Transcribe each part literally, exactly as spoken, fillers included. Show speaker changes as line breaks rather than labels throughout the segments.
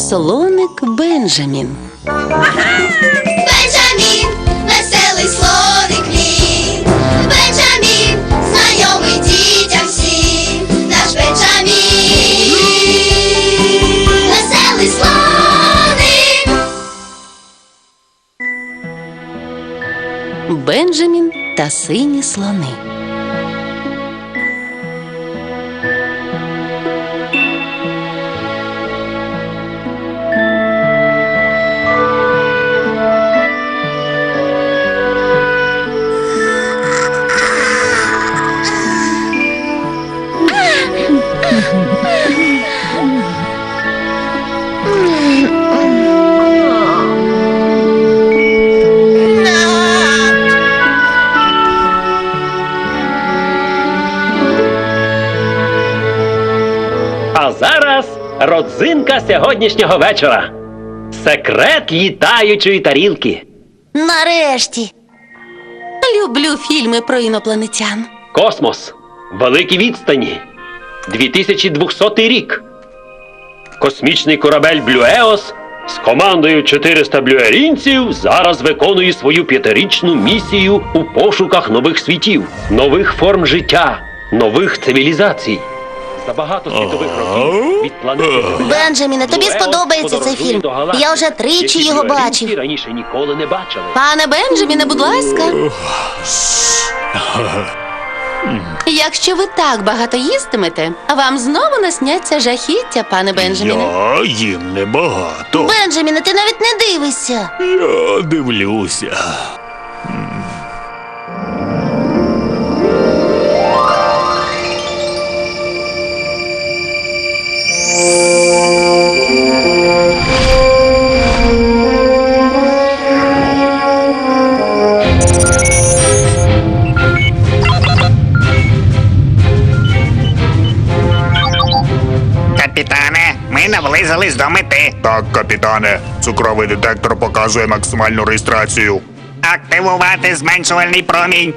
Слоник Бенджамін.
Бенджамін, веселий слоник мій. Бенджамін, знайомий дітям всім. Наш Бенджамін, веселий слоник.
Бенджамін та сині слони.
А зараз родзинка сьогоднішнього вечора. Секрет літаючої тарілки.
Нарешті. Люблю фільми про інопланетян.
Космос. Великі відстані. дві тисячі двохсотий рік. Космічний корабель Блюеос з командою чотириста блюерінців зараз виконує свою п'ятирічну місію у пошуках нових світів, нових форм життя, нових цивілізацій. За багато світових років від планети Земля
Бенджаміне, тобі
Блюеос
сподобається цей
подорожує
фільм.
до галактик,
Я вже тричі
які
його
блюерінці
бачив.
раніше ніколи не бачили.
Пане Бенджаміне, будь ласка. Якщо ви так багато їстимете, вам знову насняться жахіття, пане Бенджаміне.
Я їм небагато.
Бенджаміне, ти навіть не дивишся.
Я дивлюся.
Капітане, ми наблизились до мети.
Так, капітане, цукровий детектор показує максимальну реєстрацію.
Активувати зменшувальний промінь.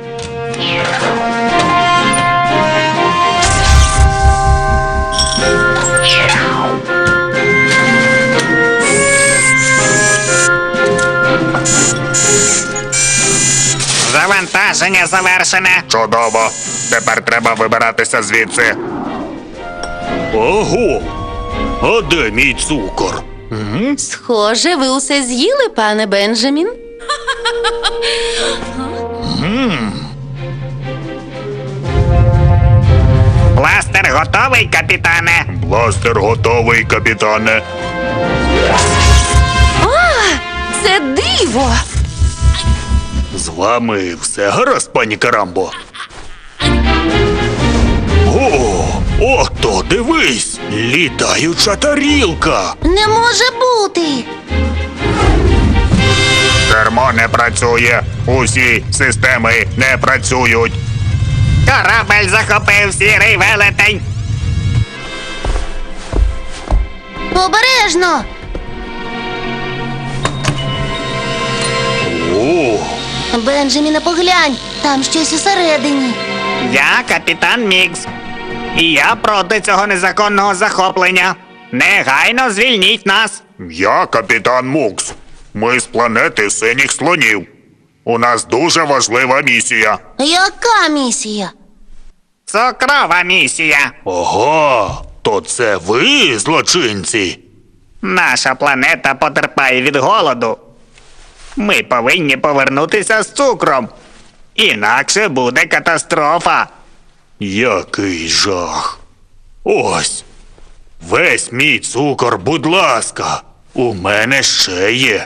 Завантаження завершене.
Чудово. Тепер треба вибиратися звідси. Ого! А де мій цукор?
Схоже, ви усе з'їли, пане Бенджамін.
Бластер готовий, капітане.
Бластер готовий, капітане.
Це диво!
З вами все гаразд, пані Карамбо? О, ото, дивись! Літаюча тарілка!
Не може бути!
Кермо не працює. Усі системи не працюють.
Корабель захопив сірий велетень.
Обережно!
О,
Бенджаміне, поглянь, там щось усередині.
Я капітан Мікс. І я проти цього незаконного захоплення. Негайно звільніть нас.
я капітан Мукс. Ми з планети синіх слонів. У нас дуже важлива місія.
Яка місія?
Цукрова місія.
Ого, то це ви, злочинці?
Наша планета потерпає від голоду. Ми повинні повернутися з цукром. Інакше буде катастрофа.
Який жах. Ось. Весь мій цукор, будь ласка. У мене ще є.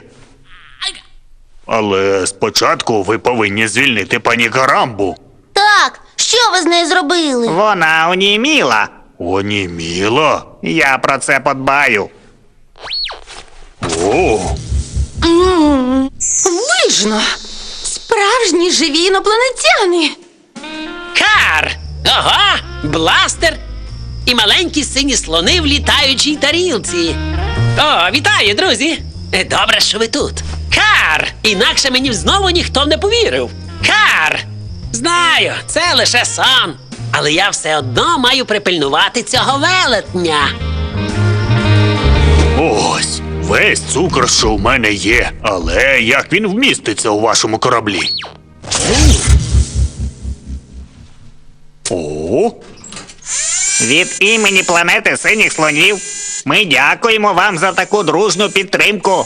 Але спочатку ви повинні звільнити пані Карамбу.
Так, що ви з нею зробили?
Вона оніміла.
Оніміла?
Я про це подбаю.
О,
Вижно! Справжні живі інопланетяни!
Кар! Ого! Бластер! І маленькі сині слони в літаючій тарілці. О, вітаю, друзі! Добре, що ви тут. Кар! Інакше мені знову ніхто не повірив. Кар! Знаю, це лише сон. Але я все одно маю припильнувати цього велетня.
Ось, весь цукор, що в мене є. Але як він вміститься у вашому кораблі? О,
Від імені планети синіх слонів ми дякуємо вам за таку дружну підтримку.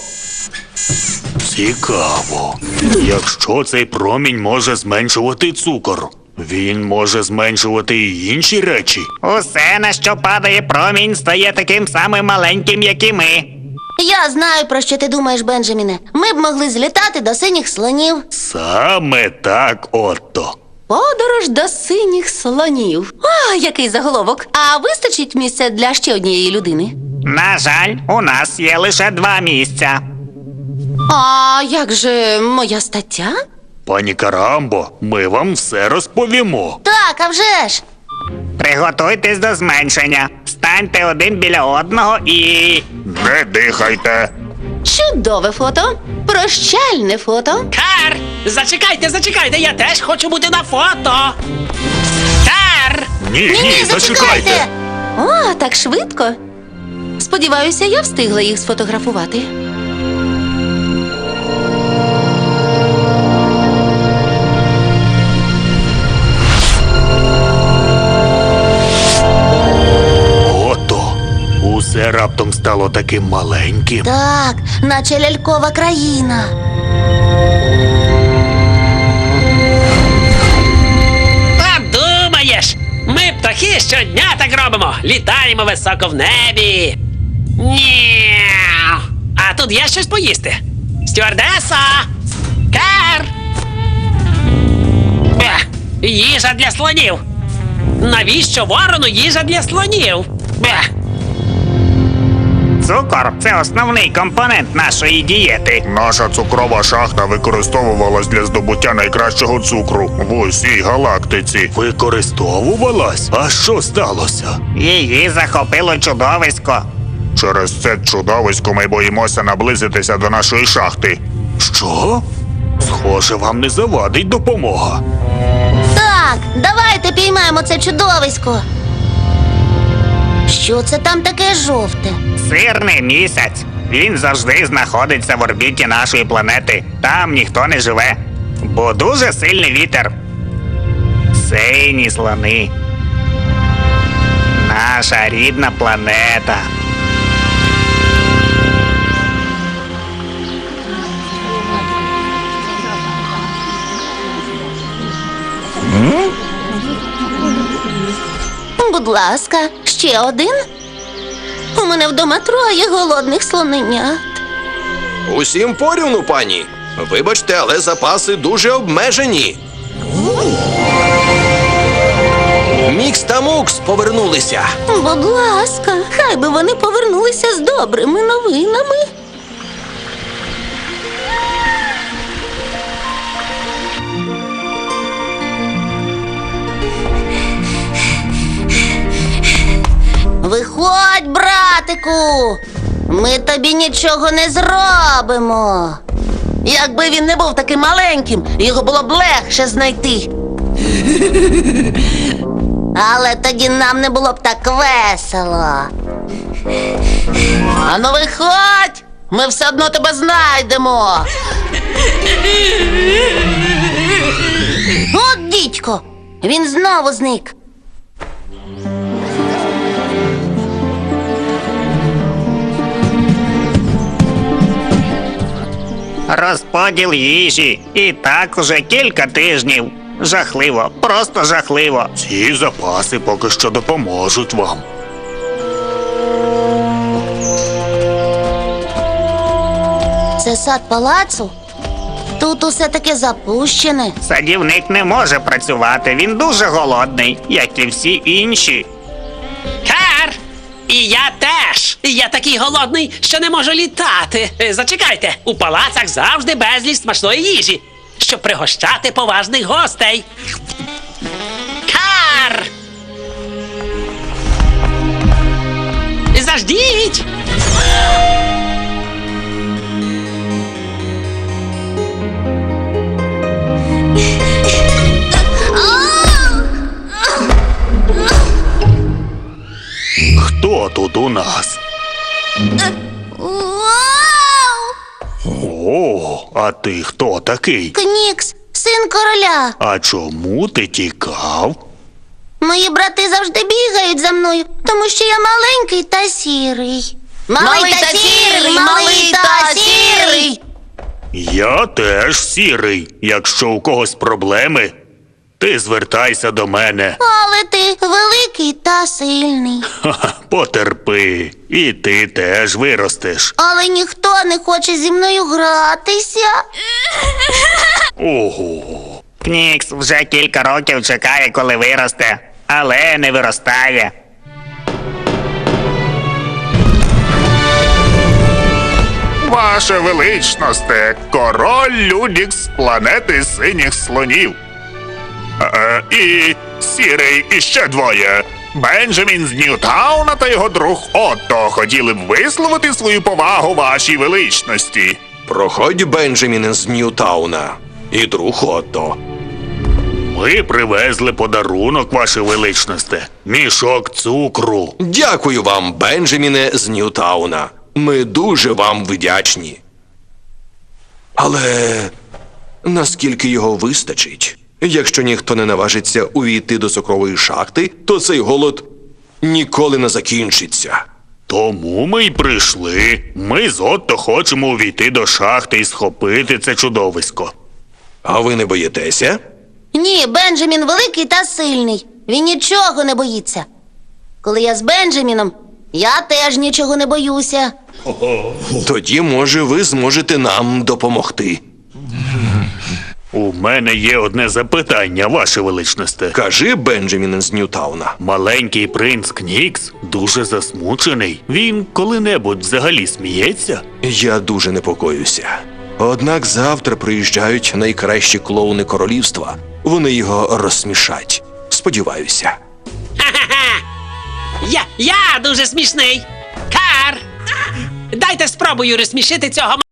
цікаво. Якщо цей промінь може зменшувати цукор, він може зменшувати і інші речі.
Усе, на що падає промінь, стає таким самим маленьким, як і ми.
Я знаю, про що ти думаєш, Бенджаміне. Ми б могли злітати до синіх слонів.
Саме так, Отто.
Подорож до синіх слонів. О, який заголовок. А вистачить місця для ще однієї людини?
На жаль, у нас є лише два місця.
А як же моя стаття?
Пані Карамбо, ми вам все розповімо.
Так, а вже ж.
Приготуйтесь до зменшення. Станьте один біля одного і.
Не дихайте.
Чудове фото. Прощальне фото.
Кар! Зачекайте, зачекайте, я теж хочу бути на фото. Кар!
Ні, ні, зачекайте.
О, так швидко. Сподіваюся, я встигла їх сфотографувати.
Отто, усе раптом стало таким маленьким.
Так, наче лялькова країна.
Подумаєш, ми птахи щодня так робимо. Літаємо високо в небі. Ні. А тут є щось поїсти. Стюардеса! Кар! Ех, їжа для слонів. Навіщо ворону їжа для слонів? Ех.
Цукор це основний компонент нашої дієти.
Наша цукрова шахта використовувалась для здобуття найкращого цукру в усій галактиці. Використовувалась? А що сталося?
Її захопило чудовисько.
Через це чудовисько ми боїмося наблизитися до нашої шахти. Що? Схоже, вам не завадить допомога.
Так, давайте піймаємо це чудовисько. Що це там таке жовте?
Сирний місяць. Він завжди знаходиться в орбіті нашої планети. Там ніхто не живе. Бо дуже сильний вітер. Сині слони. Наша рідна планета.
Будь ласка, ще один? У мене вдома троє голодних слоненят.
Усім порівну, пані. Вибачте, але запаси дуже обмежені. Мікс та Мукс повернулися.
Будь ласка, хай би вони повернулися з добрими новинами. Виходь, братику! Ми тобі нічого не зробимо.
Якби він не був таким маленьким, його було б легше знайти.
Але тоді нам не було б так весело.
Ану виходь! Ми все одно тебе знайдемо.
От дідько! Він знову зник.
Розподіл їжі. І так уже кілька тижнів. Жахливо, просто жахливо.
Ці запаси поки що допоможуть вам.
Це сад палацу? Тут усе таке запущене.
Садівник не може працювати, він дуже голодний, як і всі інші.
Кар! І я теж. Я такий голодний, що не можу літати. Е, Зачекайте, у палацах завжди безліч смачної їжі, щоб пригощати поважних гостей. Кар! Заждіть!
Хто тут у нас? О, а ти хто такий?
Кнікс, син короля.
А чому ти тікав?
Мої брати завжди бігають за мною, тому що я маленький та сірий.
Малий та сірий, малий та сірий.
Я теж сірий. Якщо у когось проблеми, ти звертайся до мене.
Але ти великий та сильний.
Ха-ха, потерпи, і ти теж виростеш.
Але ніхто не хоче зі мною гратися.
Ого.
Кнікс вже кілька років чекає, коли виросте, але не виростає.
Ваше величносте, король Людікс з планети синіх слонів. Е, і сірий і ще двоє. Бенджамін з Ньютауна та його друг Отто хотіли б висловити свою повагу вашій величності.
Проходь, Бенджамін з Ньютауна. І друг Отто.
Ми привезли подарунок, ваше величносте. Мішок цукру.
Дякую вам, Бенджаміне з Ньютауна. Ми дуже вам вдячні. Але наскільки його вистачить? Якщо ніхто не наважиться увійти до цукрової шахти, то цей голод ніколи не закінчиться.
Тому ми й прийшли. Ми з Отто хочемо увійти до шахти і схопити це чудовисько.
А ви не боїтеся?
Ні, Бенджамін великий та сильний. Він нічого не боїться. Коли я з Бенджаміном, я теж нічого не боюся.
Тоді, може, ви зможете нам допомогти.
У мене є одне запитання, ваше величносте.
Кажи, Бенджамін з Ньютауна.
Маленький принц Кнікс дуже засмучений. Він коли-небудь взагалі сміється?
Я дуже непокоюся. Однак завтра приїжджають найкращі клоуни королівства. Вони його розсмішать. Сподіваюся.
Ха-ха-ха! Я, я дуже смішний. Кар! Дайте спробую розсмішити цього